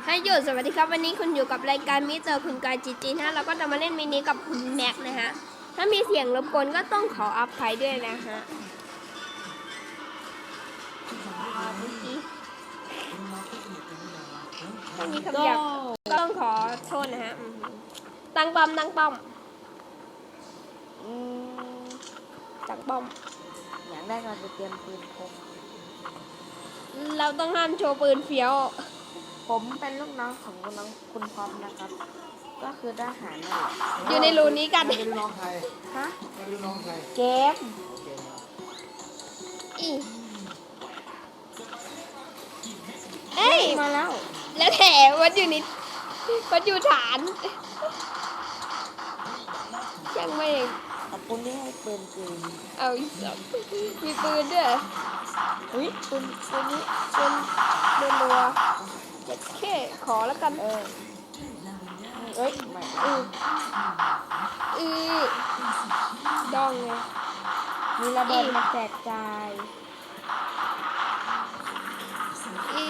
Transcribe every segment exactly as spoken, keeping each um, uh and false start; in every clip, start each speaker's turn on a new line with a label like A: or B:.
A: ให้หยุดสวัสดีครับวันนี้คุณอยู่กับรายการมิเตอร์คุณกายจีจีนะเราก็จะมาเล่นมินิกับคุณแม็กนะฮะถ้ามีเสียงรบกวนก็ต้องขออภัยด้วยนะฮะถ้ามีคำหยาบก็ต้องขอโทษนะฮะตั้งป้อมตั้งป้อมตั้งป้อม
B: อย่างแรกเราจะเตรียมปืนพก
A: เราต้องห้ามโชว์ปืนเฟี้ยว
B: ผมเป็นลูกน้องของคุณน้องคุณพร้อมนะครับก็คือทหารน่ะ
A: อยู่ในรูนี้กัน
C: เป็นน้องใคร
B: ฮะ
C: เป็นน้องใคร
B: เกม
A: อีเอ้ย
B: มาแล้ว
A: แล้วแถมวัดอยู่นิดวัดอยู่ฐานยังไม่
B: ขอบคุณที่ให้ปืนปืน
A: เอาอีกสองมีปืนด้วย
B: อุ้ยปืนปืนนี้
A: ปืนเดินรัวเจ็ดแค่ขอแล้วกัน
B: เออเอ้ยไม่
A: อืออือดองไง
B: มีระเบิดมาแจกจ่าย
A: อี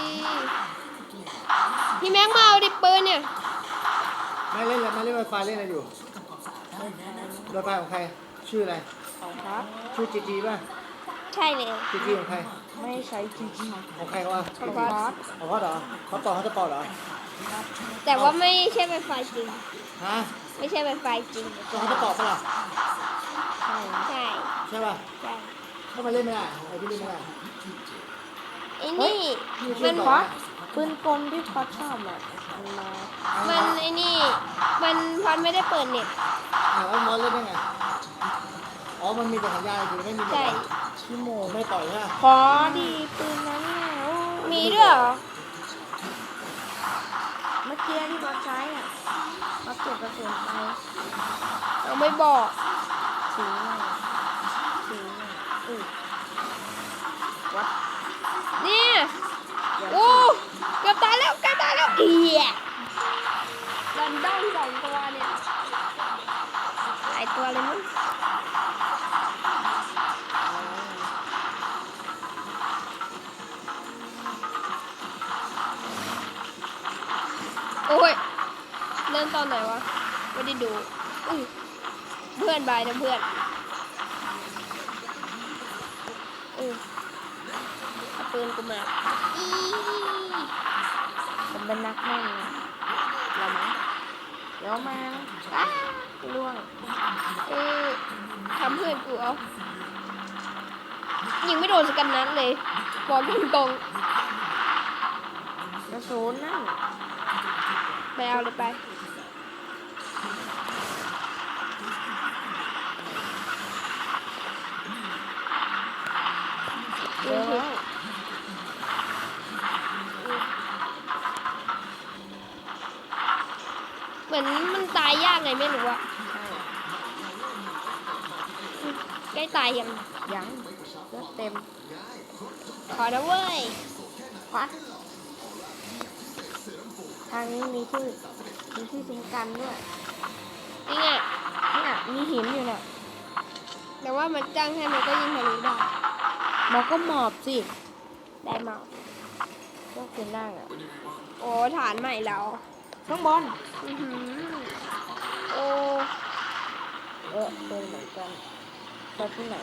A: พี่แม็กมาเอาดิปืนเนี่ย
C: ไม่เล่นแล้วไม่เล่นไวไฟเล่นอะไรอยู่ไวไฟของใครชื่ออะไร
B: ของครับ
C: ชื่อจีจีป่ะ
A: ใช่เลย
C: จีจีของใคร
B: ไม่ใช้จีจี
C: ของใครวะ
A: ของพอด
C: ของพอดเหรอเขาต่อเขาจะต่อเหรอ
A: แต่ว่าไม่ใช่ไวไฟจริง
C: ฮะ
A: ไม่ใช่ไวไฟจริง
C: เขาจะต่อปะล่ะ
A: ใช่ใช่
C: ใช่ป่ะ
A: ใช่
C: ถ้ามาเล่นไม่ได้ไอ้พี่เล่นไม่ได้
A: ไอ้นี่มัน
B: พอดปืนกลที่พอดชอบอ่ะมันมา
A: มันไอ้นี่มันพอดไม่ได้เปิดเน็ต
C: อ่าแล้วมอสเล่นได้ไงอ๋อมันมีแต่สัญญาณคือไม่มี
A: ใช่
C: ชั่วโมงไม่ต่อยใช่ไหม
B: ขอดีปืนนั้นแล้ว
A: มีด้วยเหรอ
B: เมื่อกี้ที่บอสใช้อ่ะบอสเก็บกระสุนไป
A: เอาไม่บอก
B: สีหน่อยสีหน่อยอือวัด
A: เนี่ยโอ้เกือบตายแล้วเกือบตายแล้วเอียรันดอมสองตัวเนี่ยหลายตัวเลยมั้งโอ้ยเล่นตอนไหนวะไม่ได้ดูอื้อเพื่อนบายนะเพื่อนอือเอาปืนกูมาอี
B: ผมเป็นนักแม่งเราไหมเดี๋ยวมาอ้าล่วง
A: เออทำเพื่อนกูเอายิงไม่โดนสกันนัดเลยบอกตรง
B: กระสุนนั่น
A: ไปเอาเลยไป
B: เดี๋ยว
A: เหมือนมันตายยากไงไม่รู้อะใกล้ตายยัง
B: ยังเลือดเต็ม
A: ขอนะเว้ย
B: ฟัดทางนี้มีที่มีที่ทิ้งกันด้วย
A: จริงอ่ะ
B: เนี่ยมีหินอยู่เนี่ย
A: แต่ว่ามันจ้างให้มันก็ยิงทะลุได้
B: มันก็หมอบสิ
A: ได้หมอบ
B: ก็ขึ้นได้อ่ะ
A: โอ้ฐานใหม่แล้ว
B: ข้างบน
A: อือหือโอ้
B: เออเป็นเหมือนกันไปที่ไหน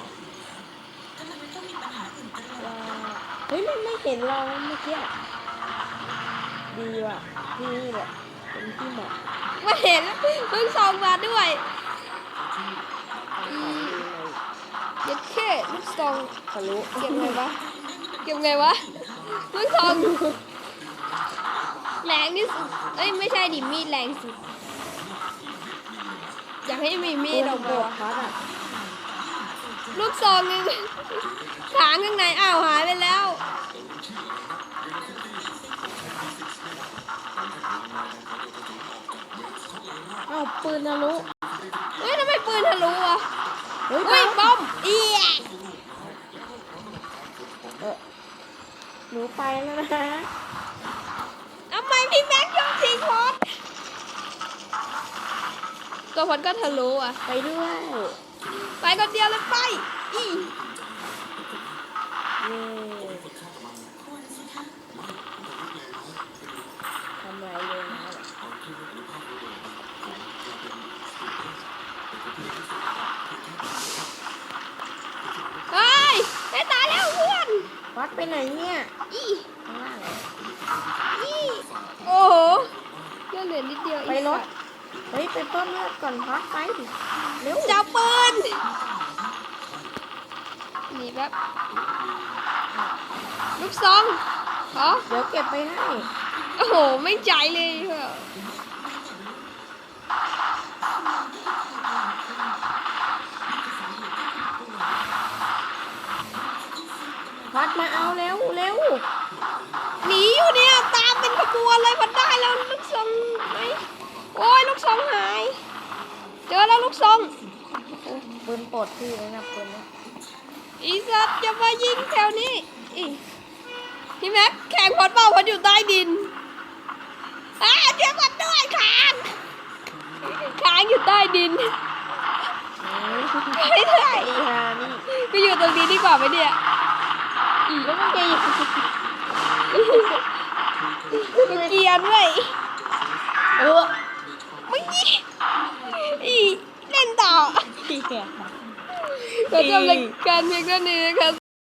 B: เฮ้ยมันไม่เห็นเราเมื่อกี้ดีว่ะที่นี่แหละเป็นที่เหมาะ
A: ไม่เห็นเพิ่งส่องมาด้วยยัดแค่ลูกซอง
B: ทะลุ
A: เก็บไงวะเก็บไงวะลูกซองแรงที่สุดเอ้ยไม่ใช่ดิมีดแรงสุดอยากให้มีมีดออกมาลูกซองนึงขางข้างในอ้าวหายไปแล้ว
B: อ้าวปืนทะลุ
A: เฮ้ยทำไมปืนทะลุอ่ะเฮ้ยบอมเอีย
B: เออหนูไปแล้วนะ
A: ทำไมพี่แม็กยอมทิ้งพอดตัวพอดก็ทะลุอ่ะ
B: ไปด้วย
A: ไปคนเดียวเลยไปอี
B: เย่พัดไปไหนเนี่ย
A: อี
B: ข้างล่างเหรอ
A: อีโอ้โหเลือดเหลือนิดเดียว
B: ไปรถเฮ้ยไปเพิ่มเลือดก่อนพัดไปเร็ว
A: จับปืนหนีแบบลูกซองอ๋อ
B: เดี๋ยวเก็บไปให้
A: โอ้โหไม่ใจเลยเหรอ
B: พัดมาเอาเร็วเร็ว
A: หนีอยู่เนี่ยตามเป็นขบวนเลยมันได้แล้วลูกซองไหมโอ้ยลูกซองหาย เจอแล้วลูกซอง
B: ปืนปลดพี่เลยนะปืนนะ
A: อีสัตว์จะมายิงแถวนี้อีพี่แม็กแข่งพอดเปล่าพอดอยู่ใต้ดินอ่าเดี๋ยวก่อนด้วยค้างค้างอยู่ใต้ดินไม่ได้
B: อีฮานี่
A: ก็อยู่ตรงนี้ดีกว่าไหมเนี่ยอี
B: แล้วมันจะอยู่
A: ก็เกรียนเว้ย
B: เออ
A: มึงยี่อีเล่นต่อ
B: พี่แก
A: ขอจบรายการเพียงเท่านี้นะครับ